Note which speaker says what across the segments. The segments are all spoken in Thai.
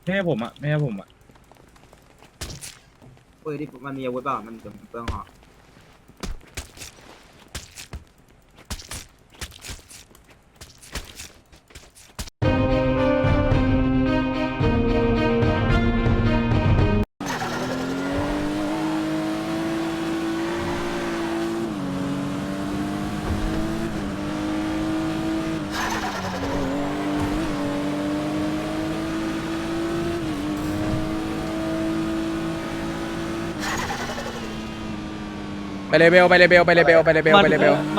Speaker 1: ไม่ให้ผมอ่ะไม่ให้ผมอ่ะ
Speaker 2: ปืนที่มันมีอาวุธเปล่ามันจะเปลืองหอก
Speaker 3: ไปเลเบลไปเลเบลไปเลเบลไปเลเบลไปเลเบล
Speaker 4: มัน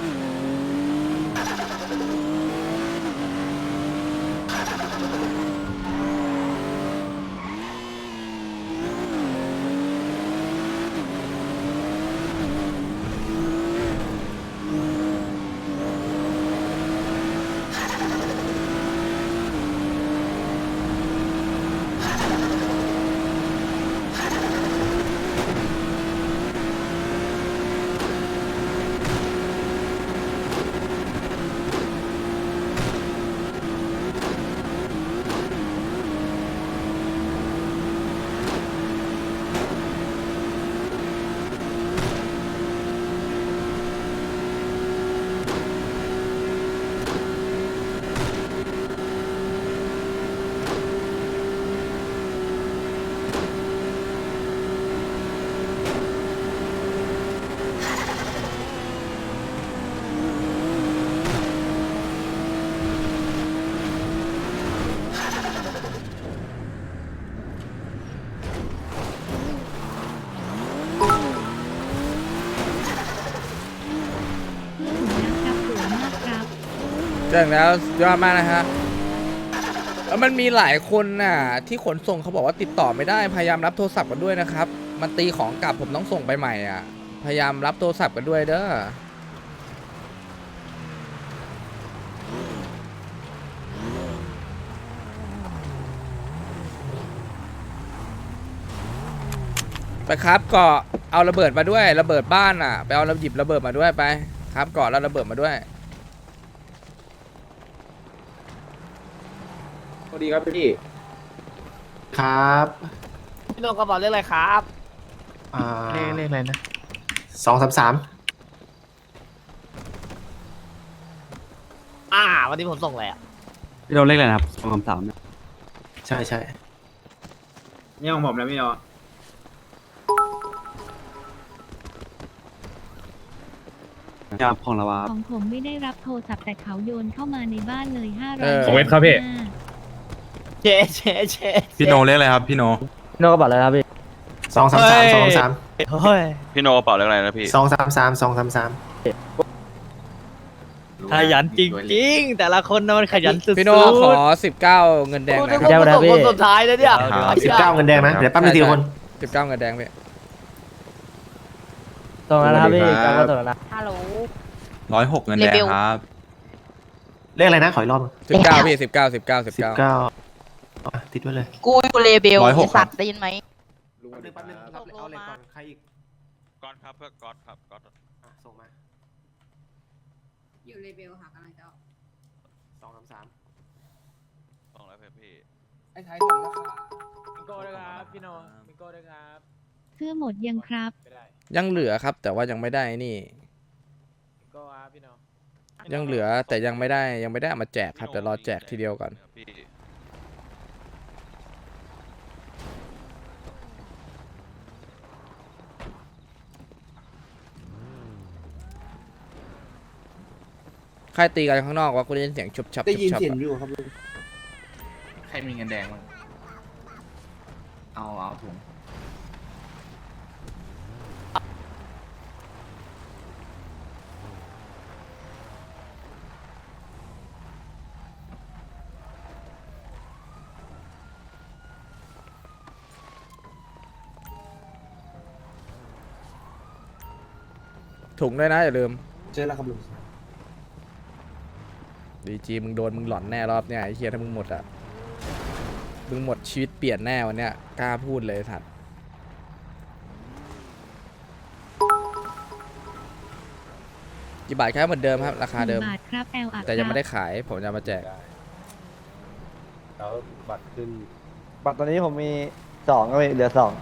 Speaker 3: เจ๋งแล้วสุดยอดมากนะฮะแล้วมันมีหลายคนน่ะที่ขนส่งเขาบอกว่าติดต่อไม่ได้พยายามรับโทรศัพท์กันด้วยนะครับมันตีของกลับผมต้องส่งไปใหม่อ่ะพยายามรับโทรศัพท์กันด้วยเด้อไปครับเกาะเอาระเบิดมาด้วยระเบิดบ้านอ่ะไปเอาหยิบระเบิดมาด้วยไปครับเกาะแล้วระเบิดมาด้วย
Speaker 1: สวัสดีครับพี่
Speaker 5: ครับ
Speaker 4: พี่โนกระบอกเรื่องอะไรครับ
Speaker 5: เลขอะไรนะ233
Speaker 4: วันนี้ผมส่งอะไรอ่ะ
Speaker 6: พี่เราเลขอะไรนะครับ233เนี่ย
Speaker 5: ใช่ใช่
Speaker 2: นี่ของผมแล้วพี่เนาะ
Speaker 6: ครับของเราครับ
Speaker 7: ของผมไม่ได้รับโทรศัพท์แต่เขาโยนเข้ามาในบ้านเลย500
Speaker 1: ของเวทครับพี่
Speaker 4: เจ๊เจ๊
Speaker 8: พี่โนเรียกอะไรครับพี่โน
Speaker 4: พี่โนกระบอกอะไรครับพี่
Speaker 5: 233
Speaker 4: เฮ้ย
Speaker 8: พี่โนกระเป๋าเรียกอะไรนะพี่
Speaker 5: 233
Speaker 4: ขยันจริงๆแต่ละคนน่ะมันขยันสุดๆ
Speaker 3: พี่โน่ขอ19เงินแดงหน่อยค
Speaker 4: เดี๋
Speaker 3: รับ
Speaker 4: ยวคนสุดท้ายเลยเนี่ย
Speaker 5: 19เงินแดงนะเดี๋ยวแป๊บนึงทีละคน
Speaker 3: 19เงินแดงพี่
Speaker 4: ส่งแล้วนะครับพี่กก็ส่งแล้วนะ
Speaker 7: ฮัลโหล
Speaker 8: 106 เงินแดงครับ
Speaker 5: เลขอะไรนะขออีกรอบ
Speaker 3: 19พี่19
Speaker 5: ติดไว้เลย
Speaker 7: กูเลเบล
Speaker 8: 106
Speaker 7: สัตว์ได้ยินไหม
Speaker 5: แป๊บนึงเอาเลขก่อนใครอีก
Speaker 8: ก๊อตครับเพื่อก๊อตครับก๊อต
Speaker 5: ส่งมา
Speaker 7: อยู่เลเบลค่ะกำลังจะ
Speaker 5: 233
Speaker 8: ส่งแล้วเพื่อพี่
Speaker 4: ไอ้ไทยส่งแล้วค่ะมิโก้ด้วยครับพี่โนมิโก้ด้วยครับ
Speaker 7: เสื้อหมดยังครับ
Speaker 4: ไม่ได้
Speaker 3: ยังเหลือครับ แต่ว่ายังไม่ได้นี่
Speaker 4: มิโก้ครับพี่โน
Speaker 3: ยังเหลือแต่ยังไม่ได้เอามาแจกครับเดี๋ยวรอแจกทีเดียวก่อน
Speaker 8: พี่
Speaker 3: ใครตีกันข้างนอกวะกูได้ยินเสียงชุบชับ
Speaker 5: ได้ยิน
Speaker 3: ชุบชับ
Speaker 5: เสียง
Speaker 3: อะ
Speaker 5: อยู่ครับ
Speaker 1: ใครมีเงินแดงบ้างเอาถุง
Speaker 3: ถุงด้วยนะอย่าลืม
Speaker 5: เจอแล้วครับลุง
Speaker 3: ดีจีมึงโดนมึงหลอนแน่รอบเนี้ยไอ้เฮียถ้ามึงหมดอ่ะมึงหมดชีวิตเปลี่ยนแน่วันเนี้ยกล้าพูดเลยสัตว์กี่บาทครับเหมือนเดิมครับราคาเดิม
Speaker 7: บาทครับ
Speaker 3: แต่ยังไม่ได้ขายผมจะมาแจก
Speaker 6: แล้วบัตรขึ้น
Speaker 4: บัตรตอนนี้ผมมี2ก็เหลือ2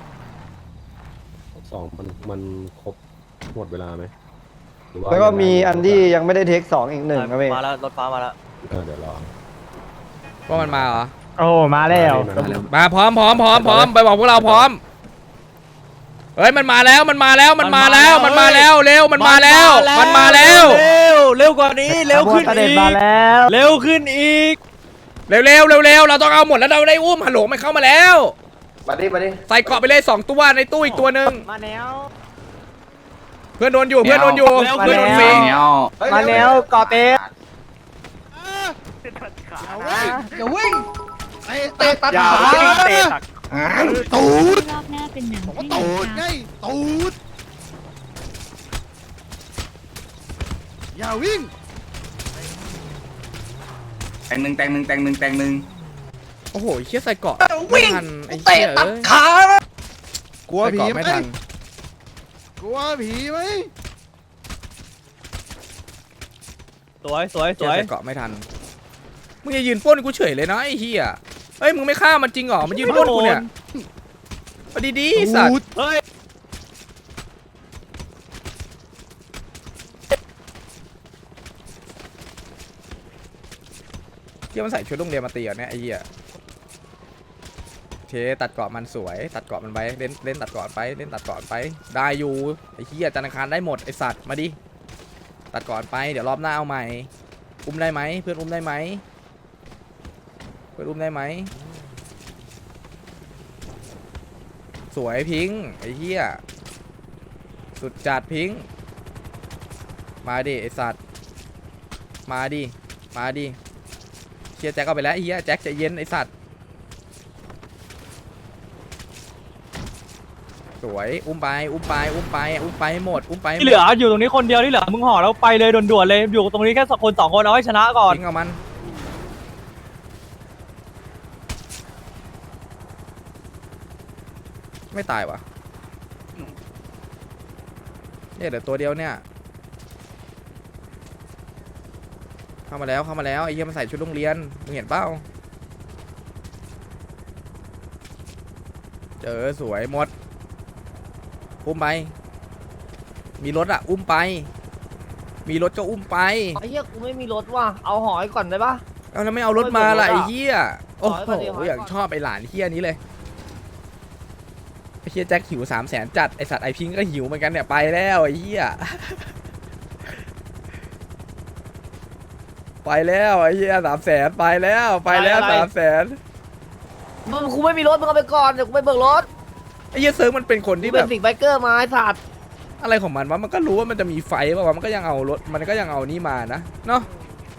Speaker 9: 2มันครบหมดเวลาไหมหรือ
Speaker 4: แล้วก็
Speaker 9: ยังไง
Speaker 4: มีอันที่ยังไม่ได้เทค2อีก1ครับพี่
Speaker 5: มาแล้วรถฟ้ามาแล้ว
Speaker 9: เดี๋ยวรอ
Speaker 3: ว่ามันมาเหรอ
Speaker 4: โอ้มาแล้ว
Speaker 3: มาพร้อมไปบอกพวกเราพร้อมเฮ้ยมันมาแล้วเร็วมันมาแล้วมันมาแล้ว
Speaker 5: เร็วกว่านี้เร็วขึ้นอีก
Speaker 4: มาแล้ว
Speaker 5: เร็วขึ้นอีก
Speaker 3: เร็วเราต้องเอาหมดแล้วเราได้อุ้มฮัลโหลมันเข้ามาแล้วมาดิใส่เกาะไปเลย2ตัวในตู้อีกตัวนึง
Speaker 4: มาแล้ว
Speaker 3: เพื่อนโดนอยู่เพื่อนโดนฟรี
Speaker 1: เนี้ย
Speaker 4: มาแล้วกอเต้
Speaker 7: รอบหน้าเป็นหนังให้หนังครับ
Speaker 1: แตงหนึ่ง
Speaker 3: โอ้โหเชี่ยใส่เกาะไม่ทันไอ้เชี่ยตัดขากลัวผีไม่ทันกลัวผีไหม
Speaker 5: สวย
Speaker 3: ใส่เกาะไม่ทันมึงจะยืนปล้นกูเฉยเลยนะไอ้เหี้ยเฮ้ยมึงไม่ฆ่ามันจริงเหรอมันยืนปล้นกูเนี่ยเอาดีๆสัตว์
Speaker 5: เฮ้ย
Speaker 3: เชี่ยมันใส่ชุดโรงเรียนมาตีเหรอเนี่ยไอ้เหี้ยเทตัดเกาะมันสวยตัดเกาะมันไปเล่นตัดเกาะไปได้อยู่ไอ้เหี้ยจันทร์อังคารได้หมดไอ้สัตว์มาดิตัดเกาะไปเดี๋ยวรอบหน้าเอาใหม่อุ้มได้ไหมเพื่อนอุ้มได้ไหมสวยพิงค์ไอ้เหี้ยสุดจัดพิงค์มาดิไอ้สัตว์มาดิเชียร์แจ็คเอาไปแล้วไอ้เหี้ยแจ็คใจเย็นไอ้สัตว์สวยอุ้มไปให้หมด
Speaker 5: ที่เหลืออยู่ตรงนี้คนเดียวที่เหลือมึงห่อแล้วไปเลยด่วนๆเลยอยู่ตรงนี้แค่คน2คนเอาให้ชนะก่อน
Speaker 3: ทิ้งเอามันไม่ตายวะเนี่ยเดี๋ยวตัวเดียวเนี่ยเข้ามาแล้วไอ้เหี้ยมันใส่ชุดโรงเรียนมึงเห็นเปล่าเจอสวยหมดอุ้มไปมีรถอะอุ้มไปมีรถก็อุ้มไป
Speaker 4: ไอ้เหี้ยกูไม่มีรถว่ะเอาหอยก่อนได้ปะ
Speaker 3: เอาแล้วไม่เอารถมาล่ะไอ้เหี้ยโอ้
Speaker 4: ขอให้ก่อนดิขอ
Speaker 3: โห
Speaker 4: ให้ก่อน
Speaker 3: อย่างชอบไอ้หลานเหี้ยนี้เลยไอ้เหี้ยแจ็คหิว300,000จัดไอ้สัตว์ไอ้พิงก็หิวเหมือนกันเนี่ยไปแล้วไอ้เหี้ยไปแล้วไอ้เหี้ย300,000ไปแล้ว300,000
Speaker 4: มึงกูไม่มีรถมึงเอาไปก่อนเดี๋ยวกูไปเบิกรถ
Speaker 3: ไอ้เหี้ยเซิร์ฟมันเป็นคน
Speaker 4: กู
Speaker 3: ที่
Speaker 4: เป็
Speaker 3: แบ
Speaker 4: น
Speaker 3: บ
Speaker 4: สิ่งไบเกอร์มาไอ้สัตว์
Speaker 3: อะไรของมันวะมันก็รู้ว่ามันจะมีไฟป่าวะมันก็ยังเอารถมันก็ยังเอานี่มานะเนาะ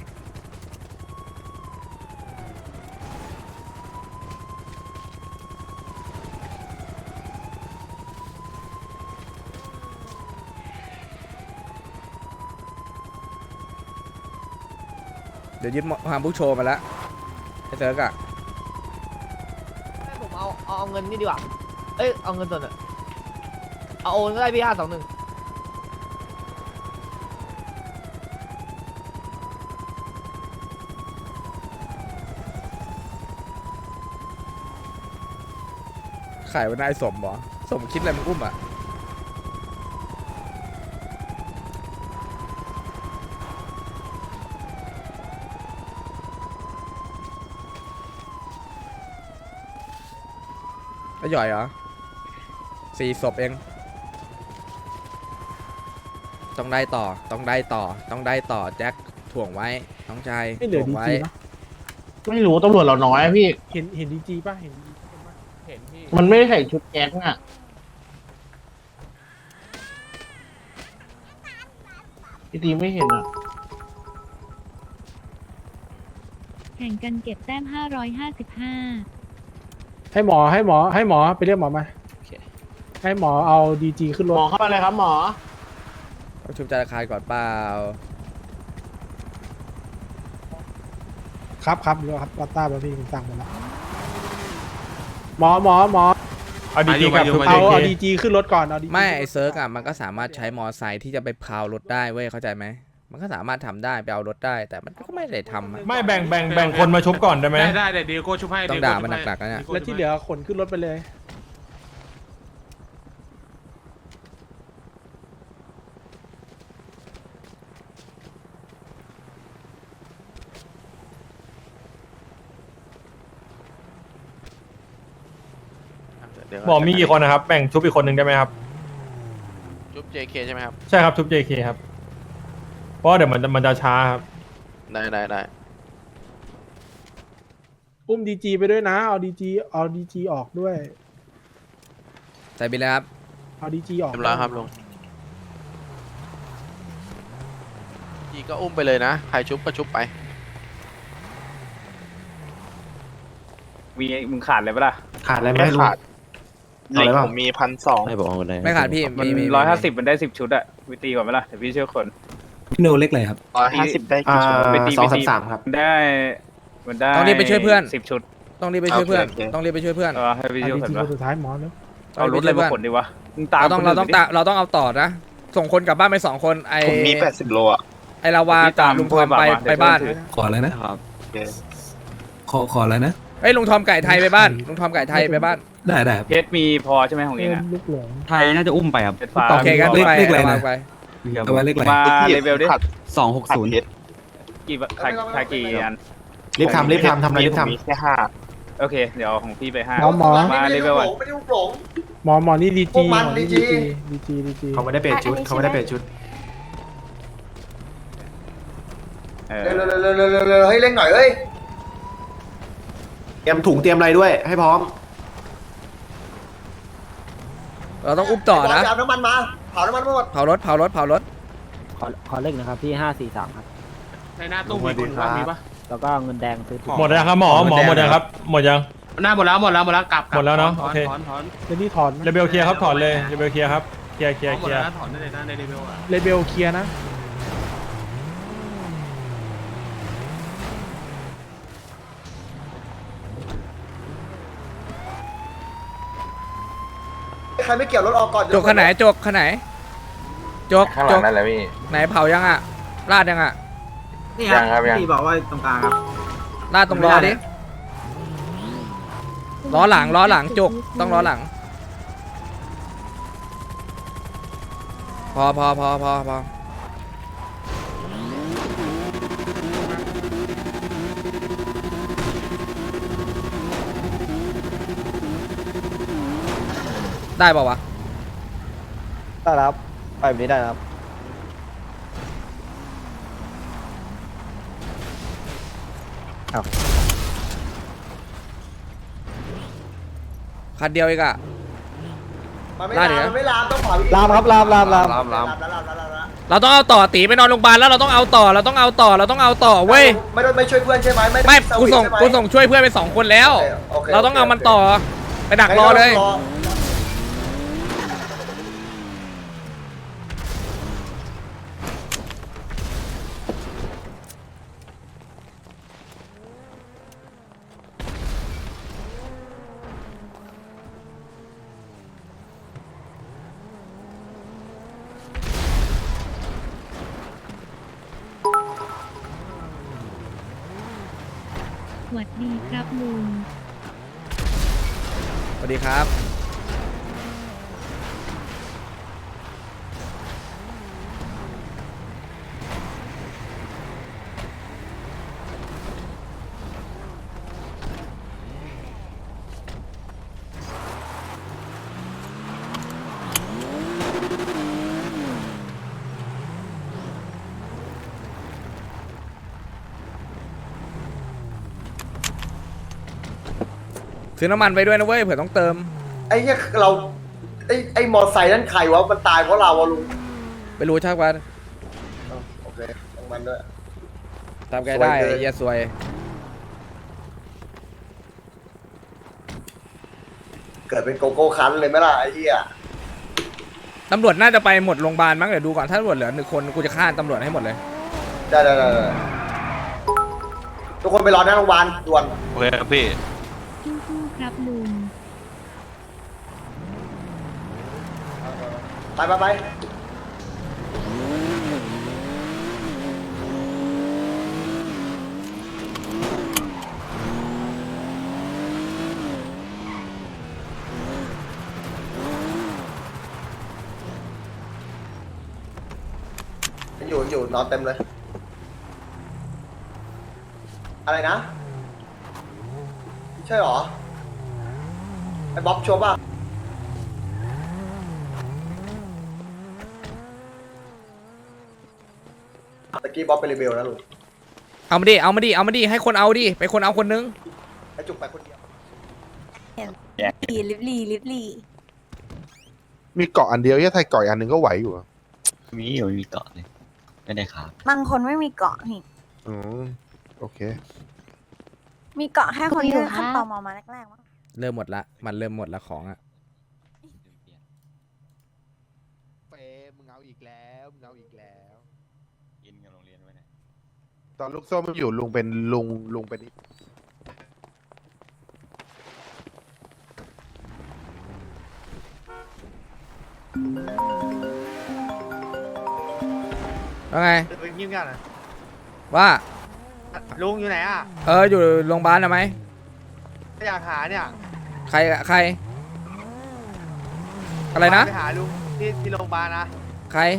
Speaker 3: เดี๋ยวยึดฮามบุกโชว์มาแล้วไอ้เซิร์กอะ
Speaker 4: ให้ผมเอาเงินนี่ดีกว่าเอ้ยเอาเงินส่วนอะเอาโอนก็ได้พี่521
Speaker 3: ขายวันนายสมเหรอสมคิดอะไรมึงอุ้มอะแล้วหย่อยเหรอ4 ศพเองต้องได้ต่อแจ็คถ่วงไว้น้องชายถ่วงไว้
Speaker 10: ไม่รู้ตำรวจเราน้อยอะพี่
Speaker 4: เห็นดีจีป่ะเห็นพี่
Speaker 10: มันไม่ได้ใส่ชุดแก๊งอ่ะพี่ตีไม่เห็นอ่ะ
Speaker 7: แข่งกันเก็บแต้ม 555
Speaker 4: ให้หมอไปเรียกหมอมาให้หมอเอาดีจีขึ้นร
Speaker 10: หม
Speaker 4: ถ
Speaker 10: อเข้ามาเลยครับหมอ
Speaker 3: ต้องชุบจาราคารก่อนเปล่า
Speaker 4: ครับเดี๋ยวครับวัตต้าพี่ผมสั่งไปแล้วหมอเอาดีจีเอาดีจีขึ้นรถก่อนเอาดี
Speaker 3: ไม่ไอเซิร์กอะมันก็สามารถใช้มอไซค์ที่จะไปพาวรถได้เว้ยเข้าใจไหมมันก็สามารถทำได้ไปเอารถได้ แต่มันก็ไม่ได้ทำอะ
Speaker 5: ไม่แบ่งคนมาชุบก่อนได้ไหม
Speaker 1: ได้เดี๋ยวดีโก้ชุบให้
Speaker 3: ต้องด่ามันหนักๆนะเนี่ย
Speaker 5: แล้วที่เหลือขนขึ้นรถไปเลย บอกมีกี่คนนะครับ แบ่งชุบอีกคนหนึ่งได้ไหมครับ
Speaker 8: ชุบ JK ใช่ไหมครับ
Speaker 5: ใช่ครับชุบ JK ครับ เพราะว่าเดี๋ยวมันจะช้าครับ
Speaker 8: ได้
Speaker 5: อุ้ม DG ไปด้วยนะ เอา DG ออกด้วย
Speaker 3: ใส่บินเลยครับ
Speaker 5: เอา DG ออก
Speaker 8: เรียบร้อยครับลุงจีก็อุ้มไปเลยนะ ใครชุบก็ชุบไป
Speaker 2: มึงขาดเลยปะล่ะ
Speaker 6: ขาดอะไรไหมลุง
Speaker 8: เหล็กผมมี1,200
Speaker 6: ไม่บอกว่าอะไร
Speaker 3: ไม่ขาดพี่
Speaker 2: มัน
Speaker 3: มี
Speaker 2: 150มันได้10 ชุดอะวิตีก่อนไหมล่ะเดี๋ยวพี่ช่วยคน
Speaker 6: พี่โนเล็กเลยครับ
Speaker 8: 150 ได้กี่ชุด
Speaker 2: ไปตี
Speaker 6: 233ครับ
Speaker 2: ได้มันได้
Speaker 3: ต้องรีบไปช่วยเพื่อน
Speaker 2: 10 ชุด
Speaker 3: ต้องรีบไปช่วยเพื่อน
Speaker 8: โอเค
Speaker 3: ต้องรีบไปช่วยเพื่อน
Speaker 2: ให้พี่ช่วยคนวะ
Speaker 5: สุดท้ายหมอแล้ว
Speaker 2: เอารถอะไรมาขนดีวะมึงตาม
Speaker 3: เราต้องเอาต่อนะ ส่งคนกลับบ้านไป2 คนไอ
Speaker 8: ผมมี80 โลอ่ะ
Speaker 3: ไอลาวากับลุงทอมไปบ้าน
Speaker 6: ขออะไรนะครับ
Speaker 8: โอเค
Speaker 6: ขออะไรนะ
Speaker 3: ไอยลุงทอมไก่ไทยไปบ้านลุงทอมไก่ไทยไปบ้าน
Speaker 6: ได้ครับ
Speaker 2: เพชรมีพอใช่ไหมของเองอะ
Speaker 5: ลูกหลง
Speaker 6: ไทยน่าจะอุ้มไปครับ
Speaker 2: เพชรฟ้า
Speaker 3: โอเคกัน
Speaker 6: เลข
Speaker 3: ไป
Speaker 6: อะไรนะ
Speaker 3: ลาวาไป
Speaker 6: เอาไว้เล็กอะไร
Speaker 2: มาเลเวลดิ
Speaker 6: 260
Speaker 2: กี่ขายกี่อัน
Speaker 6: รีบทำอะไรรีบทำ
Speaker 8: มีแค่5
Speaker 2: โอเคเดี๋ยวของพี่ไป5
Speaker 5: หมอ
Speaker 2: มาเลเวลก่อน
Speaker 5: หมอนี่ DG ดีจี
Speaker 6: เขาไม่ได้เปลี่ยนชุดเขาไม่ได้เปลี่ยนชุด
Speaker 2: เ
Speaker 10: ร็วให้เร่งหน่อยเอ้ย
Speaker 6: เตรียมถุงเตรียมอะไรด้วย ให้พร้อม
Speaker 3: เราต้องอุ้มต่อนะ
Speaker 10: เอาน้ำมันมาเผาน้ำมันหมด
Speaker 3: เผารถ
Speaker 10: ขอเลขนะครับพี่543ครับ
Speaker 1: ในหน้าตู้มีคนว่ามีปะ
Speaker 10: แล้วก็เงินแดงซื้อถุง
Speaker 5: หมดแล้วครับหมอหมดยังครับ หมดยัง
Speaker 1: หน้าหมดแล้วกลับ
Speaker 5: หมดแล้วเนอะ
Speaker 1: ถ
Speaker 5: โอเค
Speaker 1: ถอน
Speaker 5: เรนนี่ถอนเรเบลเคลียร์ครับถอนเลยเรเบลเคลียร์ครับเคลียร์
Speaker 1: หมดแล้วนะถอนได้เลยนะในเลเวลอะ
Speaker 5: เรเบลเคลียร์นะ
Speaker 10: ใครไม่เกี่ยวรถออกก่อน
Speaker 3: จกขนาดไหนจกขนาดไหนจก
Speaker 8: ข้างหลังนั่นแหละพี่
Speaker 3: ไหนเผายังอ่ะลาดยังอ่ะ
Speaker 2: นี่ครับพี่บอกว่าตรงกลางครับ
Speaker 3: ลาดตรงล้อดิล้อหลังจกต้องล้อหลังพอได้ป่าวะ
Speaker 10: ได้ครับไปแบบนี้ได้ครับ
Speaker 3: คันเดียวเองอะ
Speaker 10: มันไม่
Speaker 3: ได้
Speaker 10: ลาม
Speaker 3: ดิ
Speaker 10: มันไม่ลามต้องเผา
Speaker 5: ลามครับลาม
Speaker 3: เราต้องเอาต่อตีไปนอนโรงพยาบาลแล้วเราต้องเอาต่อเว้ย
Speaker 10: ไม่ช่วยเพื่อนใช่ไหม
Speaker 3: ไม่กูส่งช่วยเพื่อนไป2 คนแล้ว เราต้องเอามันต่อไปดักรอเลย
Speaker 7: สวัสดีครับลุง
Speaker 3: สวัสดีครับ ซื้อน้ำมันไปด้วยนะเว้ยเผื่อต้องเติม
Speaker 10: ไอ้เนี่ยเราไอ้มอไซค์นั่นใครวะมันตายเพราะเราวะลุง
Speaker 3: ไปรู้ชักวัน
Speaker 10: โอเคของมันด้วย
Speaker 3: ทำไงได้
Speaker 10: สวยเกิน
Speaker 3: เหี้ยสวย
Speaker 10: เกิดเป็นโกโก้คันเลยไหมล่ะไอ้เหี้ย
Speaker 3: ตำรวจน่าจะไปหมดโรงพยาบาลมั้งเดี๋ยวดูก่อนถ้าตำรวจเหลือ1 คนกูจะฆ่าตำรวจให้หมดเลย
Speaker 10: ได้ทุกคนไปรอหน้าโรงพยาบาลด่วน
Speaker 8: โอเคครับพี่
Speaker 7: สู้ๆครับลุง
Speaker 10: ไปอยู่นอนเต็มเลย อะไรนะใช่หรอไอ้บ๊อบชัวร์ป่ะตะกี้บ๊อบเป็นรีเบลนะลุง
Speaker 3: เอามาดิเอามาดิเอามาดิให้คนเอาดิไปคนเอาคนนึง
Speaker 10: ไอ้จุกไปคนเดียว
Speaker 7: ลิบลี่
Speaker 9: มีเกาะอันเดียวที่ไทยเกาะอันหนึ่งก็ไหวอยู่
Speaker 8: มีเกาะเลยไม่ได้ครับ
Speaker 7: บางคนไม่มีเกาะนี่
Speaker 9: อืมโอเค
Speaker 7: มีเกาะแค่คนที่ขั้นตอนมาแรกๆมั้ง
Speaker 3: เริ่มหมดละมันเริ่มหมดละของอ่ะ
Speaker 9: เฟมึงเอาอีกแล้วมึงเอาอีกแล้ว
Speaker 8: กินกับโรงเรียนไว้นะ
Speaker 9: ตอนลูกส้มอยู่ลุงเป็นลุงเป็น
Speaker 3: ว่าไง
Speaker 4: เป็นยิ้มกันนะ
Speaker 3: ว่า
Speaker 4: ลุงอยู่ไหนอ่ะ
Speaker 3: อยู่โรงพยาบาลนะไหม
Speaker 4: อยากหาเนี่ย
Speaker 3: ใครอะไรนะ
Speaker 4: ไปหาลุงที่โรงพยาบาลนะ
Speaker 3: ใคร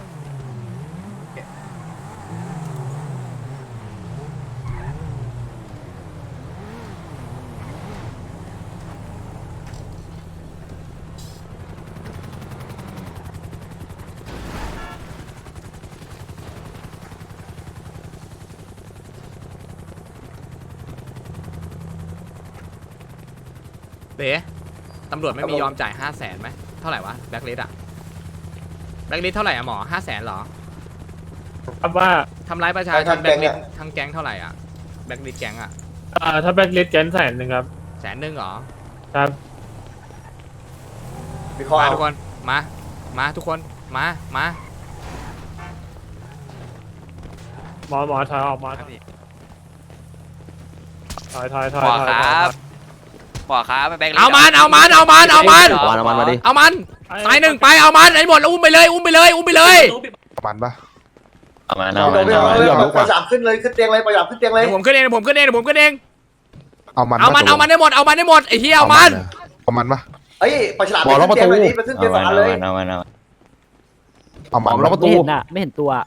Speaker 3: เบ๋ตำรวจไม่มียอมจ่าย500,000ไหมเท่าไหร่วะแบล็คลิสต์อะแบล็คลิสต์เท่าไหร่อะหมอ500,000หรอ
Speaker 5: ครับว่า
Speaker 3: ทำร้ายประชาชนแบล็คลิสต์ทั้งแก๊งเท่าไหร่อะแบล็คลิสต์แก๊งอะ
Speaker 5: ถ้าแบ็คลิสต์แกน100,000ครับ
Speaker 3: 100,000หรอ
Speaker 5: ครับ
Speaker 10: มีข้อ
Speaker 3: มา
Speaker 10: เอา
Speaker 3: ทุกคนมาทุกคนมา
Speaker 5: หมอถอยออกมาถอย
Speaker 8: หมอครับหมอครับแบงค์
Speaker 3: เอามัน
Speaker 9: เอามันมาดิ
Speaker 3: เอามันตายหนึ่งไปเอามันไอ้หมดแล้วอุ้มไปเลยมันปะ
Speaker 9: เอามัน
Speaker 10: เอาปล่อยสามขึ้นเลยขึ้นเตียงเลยปล่อยสามขึ้นเตียงเลย
Speaker 3: เดี๋ยวผมขึ้นเอง
Speaker 9: เอามัน
Speaker 3: เอามันให้หมดไอ้เหี้ยเอามัน
Speaker 9: เอามันปะ
Speaker 10: เอ้ยปล่อยฉลามไปขึ้นเตียงเลยนี่ไปขึ้นเตียงสองอันเลย
Speaker 9: เอามันล็อกประตู
Speaker 5: ไม่เห็นตัว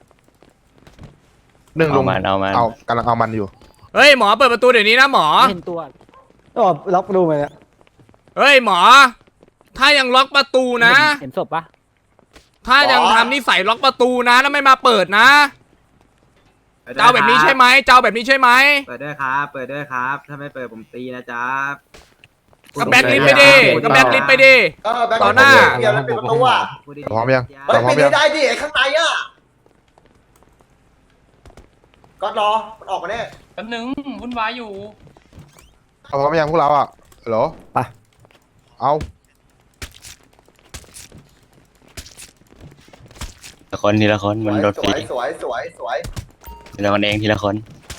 Speaker 9: หนึ่งลุงเอากำลังเอามันอยู่
Speaker 3: เฮ้ยหมอเปิดประตูเดี๋ยวนี้นะหมอ
Speaker 5: เห็นตัว
Speaker 2: ล็อกประตูไปเนี่ย
Speaker 3: เฮ้ยหมอถ้ายังล็อกประตูนะ
Speaker 5: เห็นศพปะ
Speaker 3: ถ้ายังทำนิสัยล็อกประตูนะแล้วไม่มาเปิดนะเจ้าแบบนี้ใช่ไหม
Speaker 2: เปิดด้วยครับ ถ้าไม่เปิดผมตีนะจ๊ะ
Speaker 3: ก็แบ็คลิสต์ไปดิ
Speaker 10: ก็แบ็คลิสต์
Speaker 3: ต่อหน้า
Speaker 10: เดี๋ยวมันเป็นประตูอ่ะ
Speaker 9: พร้อมยัง
Speaker 10: เฮ้ย
Speaker 9: พร้อ
Speaker 10: ไม่
Speaker 9: มยัง
Speaker 10: ได้ดิไอ้ข้างในอ่ะก็รอมันออกมาแน่
Speaker 1: แป๊บนึงวุ่นวายอยู่
Speaker 9: พร้อมยังพวกเราอ่ะเหรอไปเอา
Speaker 8: ทีละคนมันโดน
Speaker 10: ส
Speaker 8: ฟรี
Speaker 10: วยสวย
Speaker 8: ทีละคนเองทีละคน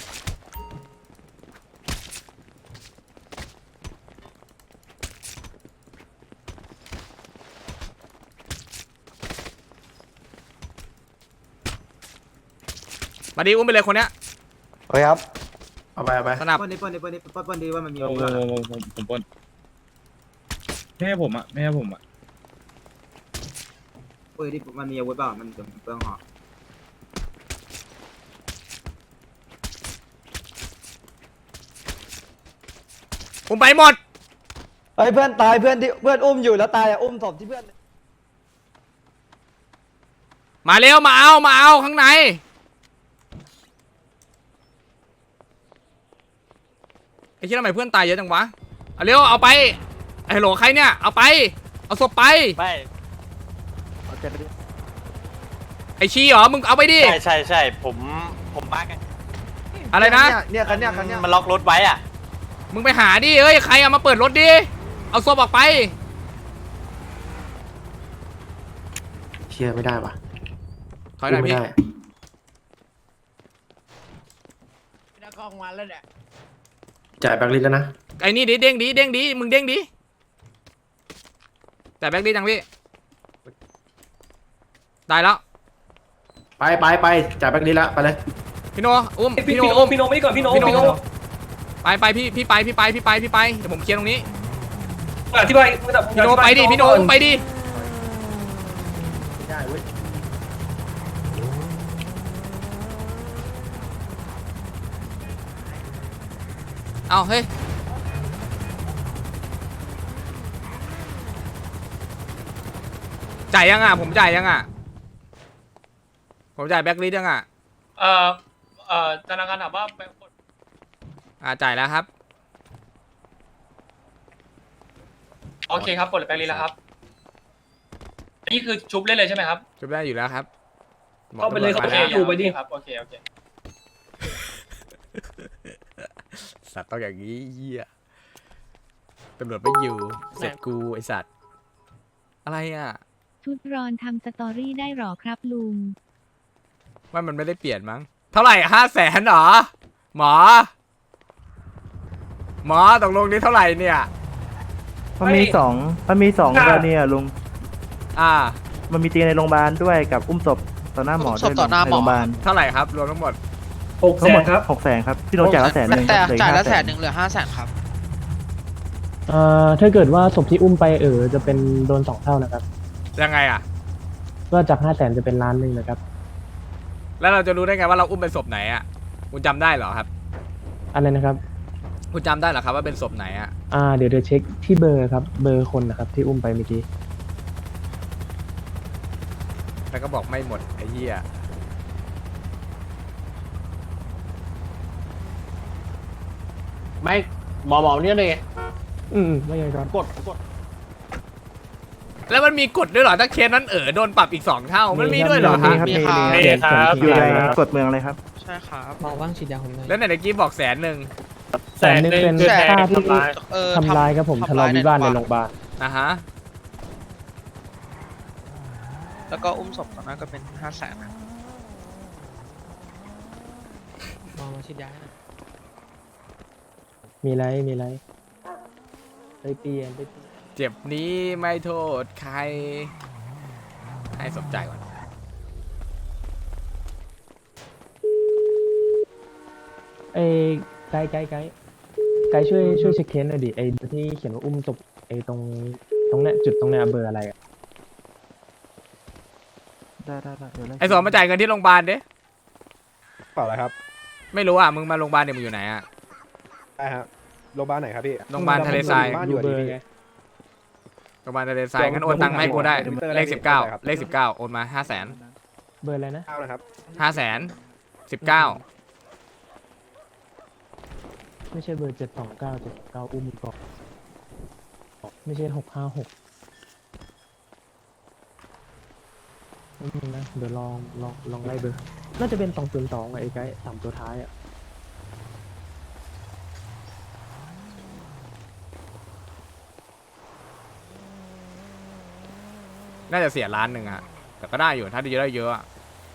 Speaker 3: มาดิอุ้มไปเลยคนเนี้ย
Speaker 6: เฮ้ยครับเอาไป
Speaker 3: สนับ
Speaker 2: ปนดีว่ามันมี
Speaker 5: ผมปนไม่ให้ผมอ่ะ
Speaker 2: ปืนที่มันมีอาวุธเปล่ามันจะเปลืองหอ
Speaker 3: อุ้มไปหมด
Speaker 2: เฮ้ยเพื่อนตายเพื่อนที่เพื่อนอุ้มอยู่แล้วตายอ่ะอุ้มศพที่เพื่อน
Speaker 3: มาเร็วมาเอาข้างในไอ้เชี่ยทำไมเพื่อนตายเยอะจังวะเอาเร็วเอาไปไอ้โหลใครเนี่ยเอาไปเอาศพไป
Speaker 5: ไม่
Speaker 3: ไอ้ชี้เหรอมึงเอาไปดิ
Speaker 8: ใช่ผมมากัน
Speaker 3: อะไรนะ
Speaker 4: เนี่ยคันเนี้ย
Speaker 8: มันล็อกรถไว้อ่ะ
Speaker 3: มึงไปหาดิเอ้ยใครเอามาเปิดรถดิเอาศพออกไป
Speaker 6: เชียร์ไม่ได้ปะ
Speaker 3: ถอยหน่อยพี่
Speaker 6: จ่ายแบงค์ลิสต์แล้วนะ
Speaker 3: ไอ้นี่ดิเด้งดิมึงเด้งดิแต่แบ็คดิจังพี่ได้แล้ว
Speaker 6: ไปจ่ายแบงค์ลิสต์แล้วไปเลย
Speaker 3: พี่โนอุ้มพี่โนอุ้ม
Speaker 5: พี่โนไม่ก่อนพี่โน
Speaker 3: ไปพี่ไปเดี๋ยวผมเคลียร์ตรงนี้
Speaker 5: อธิบาย
Speaker 3: พี่โนไปดิพี่โนอุ้มไปดิ
Speaker 6: ไม่ได้เว้ย
Speaker 3: เอาเฮ้ยจ่ายยังอ่ะผมจ่ายยังอ่ะผมจ่ายแบ็คลิสยังอ่ะ
Speaker 5: ธนาคารถามว่า
Speaker 3: จ่ายแล้วครับ
Speaker 5: โอเคครับปลดแบงค์ลีแล้วครับนี่คือชุบเล่นเลยใช่ไหมครับ
Speaker 3: ชุบได้อยู่แล้วครับ
Speaker 5: เข้าไปเลยเข้าไปเลยอยู่ไปดิครับโอเค
Speaker 3: สัตว์ต้องอย่างนี้เหี้ยตำรวจไม่อยู่เสร็จกูไอสัตว์อะไรอ่ะ
Speaker 7: ชุดรอนทำสตอรี่ได้หรอครับลุง
Speaker 3: ว่ามันไม่ได้เปลี่ยนมั้งเท่าไหร่500,000หรอหมอตกลงนี้เท่าไหร่เนี่ย
Speaker 5: มันมีสองกรณีอ่ะลุง
Speaker 3: มันมี
Speaker 5: ตีในโรงพยาบาลด้วยกับอุ้มศพต่อหน้าหมอด้วยในโรงพยาบาล
Speaker 3: เท่าไหร่ครับรวมทั้งหมด
Speaker 5: ทั้งหมดครับ600,000ครับที่เราจ่ายละ100,000นึง
Speaker 8: แต่จ่ายละ100,000เหลือ500,000ครับ
Speaker 5: ถ้าเกิดว่าศพที่อุ้มไปจะเป็นโดน2 เท่านะครับ
Speaker 3: ยังไงอ่ะ
Speaker 5: ก็จาก500,000จะเป็น1,000,000นะครับ
Speaker 3: แล้วเราจะรู้ได้ไงว่าเราอุ้มเป็นศพไหนอ่ะคุณจำได้เหรอครับ
Speaker 5: อะไรนะครับ
Speaker 3: คุณจำได้เหรอครับว่าเป็นศพไหนอ่ะ
Speaker 5: เดี๋ยวเช็คที่เบอร์ครับเบอร์คนนะครับที่อุ้มไปเมื่อกี้
Speaker 3: แล้วก็บอกไม่หมดไอ้เหี้ย
Speaker 10: ไม่หมอเนี่ยเลย
Speaker 5: ไม่ใช่ครับ
Speaker 10: กด
Speaker 3: แล้วมันมีกฎด้วยเหรอถ้าเคสนั้นโดนปรับอีก2 เท่ามันมีด้วยเหรอครับ
Speaker 8: มีครับ
Speaker 5: อยู่ในกฎเมืองเลยครับ
Speaker 8: ใช่ครับ
Speaker 4: มองว่างฉีดยาผมเลย
Speaker 3: แล้วไหนตะกี้บอก100,000
Speaker 5: 100,000เป็นค่าที่ทำร้ายครับผมทะเลาะวิวาทในโรงพยาบาล
Speaker 3: ฮะ
Speaker 8: แล้วก็อุ้มศพตอนนั้นก็เป็น500,000นะ
Speaker 4: มองมาฉีดยา
Speaker 5: มีไรไปเปลี่ยน
Speaker 3: เจ็บนี้ไม่โทษใครให้สมใจก่อน
Speaker 5: ไกด์ช่วยเช็คเคสหน่อยดิที่เขียนว่าอุ้มศพตรงเนี้ยจุดตรงเนี้ยเบอร์อะไรอะได้
Speaker 3: ไอ้สอนมาจ่ายเงินที่โรงพยาบาลดิ
Speaker 9: เปล่าอะไรครับ
Speaker 3: ไม่รู้อ่ะมึงมาโรงพยาบาลเนี่ยมึงอยู่ไหนอ่ะ
Speaker 9: ได้ครับโรงพยาบาลไหนครับพี่
Speaker 3: โรงพยาบาลทะเลทราย
Speaker 9: บ้านอยู่
Speaker 5: เบอ
Speaker 9: ดี
Speaker 5: ร์
Speaker 9: พี่
Speaker 5: ไง
Speaker 3: โรงพยาบาลทะเลทรายงั้นโอนตังค์มาให้กูได้เลข19โอนมา500,000
Speaker 5: เบอร์อะไรนะ
Speaker 9: เอานะครับ
Speaker 3: 500,000 19
Speaker 5: ไม่ใช่เบอร์729อุ้มก่อนไม่ใช่656ไม่มีนะเดี๋ยวลองไล่เบอร์น่าจะเป็น202ไอ้ไกด์3ตัวท้ายอ่ะ
Speaker 3: น่าจะเสีย1 ล้านอ่ะแต่ก็ได้อยู่ถ้าได้เยอะอะ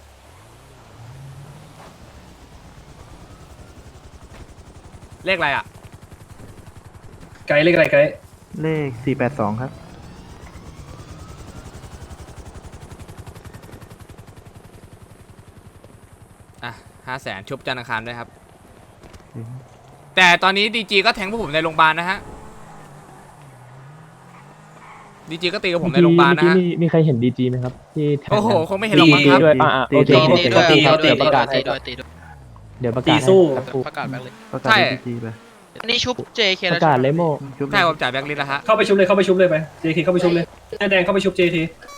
Speaker 3: เลขอะไรอ่ะ
Speaker 5: ไกด์เลขอะไรไกด์เลข482ครับ
Speaker 3: 500,000ชุบจันทร์อังคารด้วยครับแต่ตอนนี้ดีจีก็แทงพวกผมในโรงพยาบาลนะฮะดีจีก็ตีกับผมในโรงพยาบาลนะฮะ
Speaker 5: มีใครเห็นดีจีไหมครับที่แทง
Speaker 3: โอ้โหคงไม่เห็นหรอกมั้งครับ
Speaker 5: ด้วยโอเค
Speaker 8: ตีด้วย
Speaker 5: เดี๋ยวประกาศให้ เดี๋ยวประกาศสู้
Speaker 8: ประกาศแบงค์เลย
Speaker 3: ใช่
Speaker 8: อันนี้ชุบ JK
Speaker 5: ป
Speaker 8: แล้ว
Speaker 5: ระกาศเลยโม
Speaker 3: ใช่ผมจ่ายแบงค์ลิสต์แล้วฮะ
Speaker 5: เข้าไปชุบเลยไป JK เข้าไปชุบเลยแดงเข้าไปชุบ JK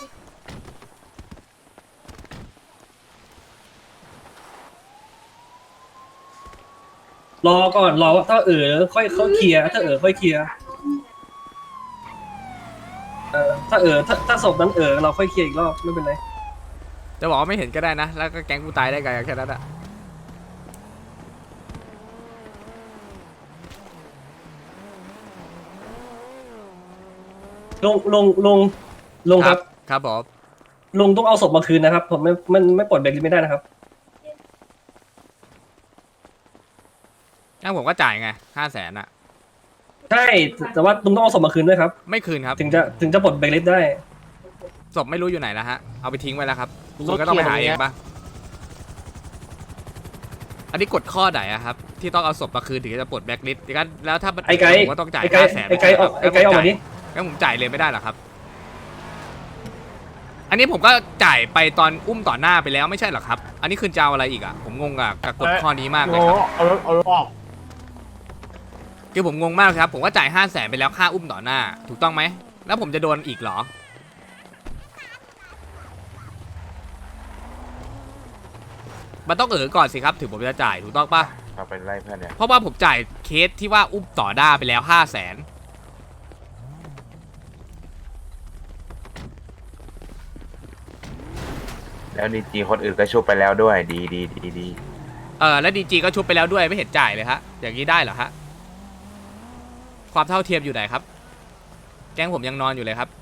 Speaker 5: รอก่อนรอว่าถ้าค่อยเคลียร์ถ้าค่อยเคลียร์ถ้าศพนั้นเราค่อยเคลียร์อีกรอบไม่เป็นไร
Speaker 3: จะบอกว่าไม่เห็นก็ได้นะแล้วก็แก๊งกูตายได้ไงแค่นั้นอะ
Speaker 10: ลงครับ
Speaker 3: ครับผม
Speaker 10: ลงต้องเอาศพมาคืนนะครับผมไม่ปลดเบรกไม่ได้นะครับ
Speaker 3: งั้นผมก็จ่ายไง500,000อะ
Speaker 10: ใช่แต่ว่าลุงต้องเอาศพมาคืนด้วยครับ
Speaker 3: ไม่คืนครับ
Speaker 10: ถึงจะปลดเบรกได้
Speaker 3: ศพไม่รู้อยู่ไหนแล้วฮะเอาไปทิ้งไว้แล้วครับคุณก็ต้องไปหาเองปะอันนี้กฎข้อไหนอะครับที่ต้องเอาศพมาคืนถึงจะปลดแบล็คลิสต์แล้วถ้า
Speaker 10: ไอ้ไกด์
Speaker 3: ผมก็ต้องจ่าย
Speaker 10: ไอ้ไกด์
Speaker 3: 500,000
Speaker 10: ไอ้ไกด์ออกมาดิ
Speaker 3: งั้นผมจ่ายเลยไม่ได้หรอครับ อันนี้ผมก็จ่ายไปตอนอุ้มต่อหน้าไปแล้วไม่ใช่หรอครับ อันนี้คือจะเอาอะไรอีกอะผมงงกับกฎข้อนี้มากเลยครับ
Speaker 10: เอาออก
Speaker 3: คือผมงงมากครับผมก็จ่าย500,000ไปแล้วค่าอุ้มต่อหน้าถูกต้องไหมแล้วผมจะโดนอีกเหรอมันต้องก่อนสิครับถึงผมจะจ่ายถูกต้องปะ
Speaker 1: เอาไปไล่เพื่อนเนี่ย
Speaker 3: เพราะว่าผมจ่ายเคสที่ว่าอุ้มต่อหน้าไปแล้ว500,000
Speaker 1: แล้วดีจีคนอื่นก็ชุบไปแล้วด้วยดี
Speaker 3: แล้วดีจีก็ชุบไปแล้วด้วยไม่เห็นจ่ายเลยฮะอย่างนี้ได้เหรอฮะความเท่าเทียมอยู่ไหนครับแก๊งผมยังนอนอยู่เลยครับ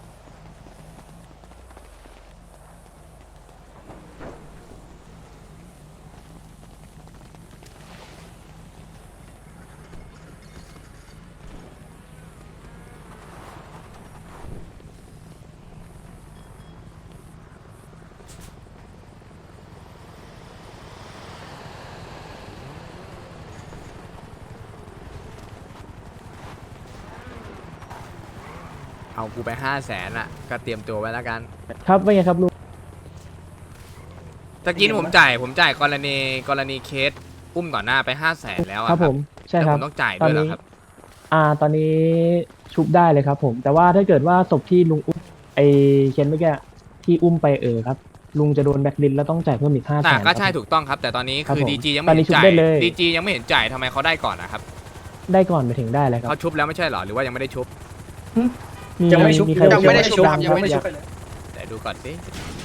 Speaker 3: เอากูไป500,000อ่ะก็เตรียมตัวไว้แล้วกัน
Speaker 5: ครับว่าไงครับลุง
Speaker 3: ตะกี้ผมจ่ายกรณีเคสอุ้มต่อหน้าไป500,000แล้วอะ
Speaker 5: ครับผมใช่
Speaker 3: แล้ว
Speaker 5: ค
Speaker 3: ผ
Speaker 5: รับ
Speaker 3: มต้องจ่ายด้วยเหรอครับ
Speaker 5: ตอนนี้ชุบได้เลยครับผมแต่ว่าถ้าเกิดว่าศพที่ลุงอุ้มไอเคนเมื่อกี้ที่อุ้มไปครับลุงจะโดนแบล็คลิสต์แล้วต้องจ่ายเพิ่มอีก500,000
Speaker 3: ก็ใช่ถูกต้องครับ แต่ตอนนี้
Speaker 5: ครับ
Speaker 3: คือ
Speaker 5: ผม
Speaker 3: ดีจียัง
Speaker 5: ต
Speaker 3: ไม่
Speaker 5: อนนี้
Speaker 3: เห็นจ่าย
Speaker 5: ชุบได้เลย
Speaker 3: ดีจียังไม่เห็นจ่ายทำไมเขาได้ก่อนนะครับ
Speaker 5: ได้ก่อนไปถึงได้เลยครับ
Speaker 3: เขาชุบแล้วไม่ใช่เหรอหรือว่ายังไม่ได้ชุบ
Speaker 5: ยังไม่ชุบ
Speaker 8: ยังไม่ได้ชุบยังไม่ได้ชุบ
Speaker 3: แต่ดูก่อนสิ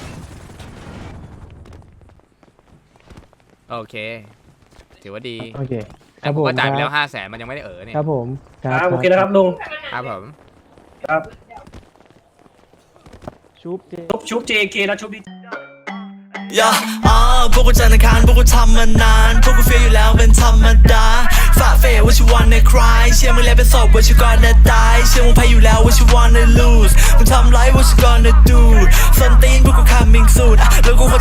Speaker 3: โอเคถือว่าดี
Speaker 5: โอเคค
Speaker 3: แต่
Speaker 5: รับ
Speaker 3: ผ
Speaker 5: ผม ม
Speaker 3: ก็จ่ายไปแล้ว500,000มันยังไม่ได้เนี่ย
Speaker 5: ครับผมครับ
Speaker 6: โอเคนะครับลุง
Speaker 3: ครับผม
Speaker 5: ชุบเจ
Speaker 6: ชุบ JK แล้วชุบดี
Speaker 11: พวกกูจันทร์อังคารพวกกูทำมานานพวกกูเฟียอยู่แล้วเป็นธรรมดาฝ่าเฟยว่าชิวันในคลายเชื่อมึงแล้วเป็นศพว่าชิวก่อนจะตายเชื่อมึงแพ้อยู่แล้วว่าชิวันใน lose มึงทำไรว่าชิวก่อนจะ do ส้นตีนพวกกู coming soon แล้วกู